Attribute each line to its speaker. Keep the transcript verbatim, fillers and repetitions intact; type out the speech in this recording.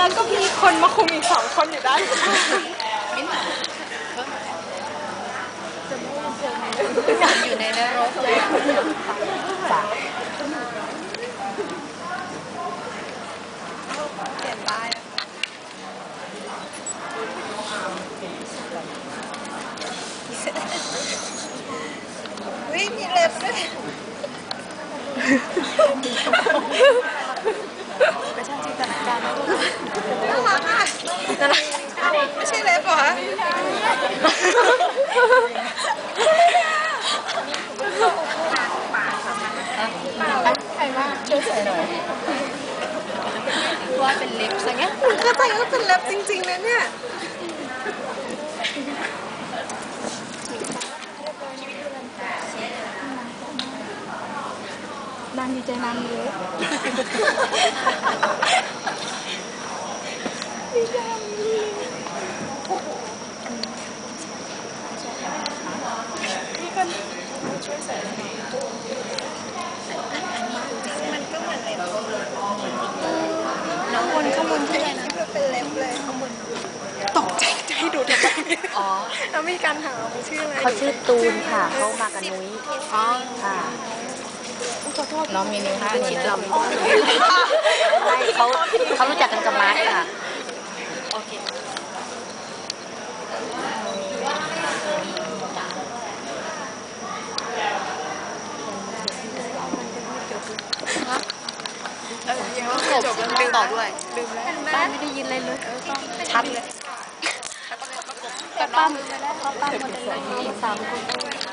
Speaker 1: แล้วก็มีคนมาคุมอีกสองคนอยู่ด้าน
Speaker 2: อยู่ในนรกเลยจ้ะเปลี่ยนป้ายวิ่งมีเล็บด้วยไม่ใช่จินตนาการนะน่ารักอ่ะไม่ใช่เล็บเหรอใครว่าช่วยใส่หน่อยว่าเป็นเล็บซะงั้นก็ใจก็เป็นเล็บจริงๆนะเนี่ยนางดีใจนางเยอะดีใจมีคนช่วยใส่มันก็เหมือนเล็บน้องบนข้างบนที่ไหนนะเป็นเล็บเลยข้างบนตกใจจะให้ดูทำไมอ๋อแล้วมีการถามชื่ออะไร
Speaker 3: เขาชื่อตูนค่ะเขามากับนุ้ย
Speaker 2: อ๋อ
Speaker 3: ค่ะ
Speaker 2: น้องมีนิ้วห้านิ้วดำ
Speaker 3: เขาเขารู้จักกันกับมาร์คค่ะ
Speaker 2: โอเคเออยังไม่จบแล้วลืมต่อด้วยลืมแล้ว
Speaker 3: บ้านไม่ได้ยินอะไรเลย
Speaker 2: ชัดเลย
Speaker 3: ป้าป้าหมดเลยสามคน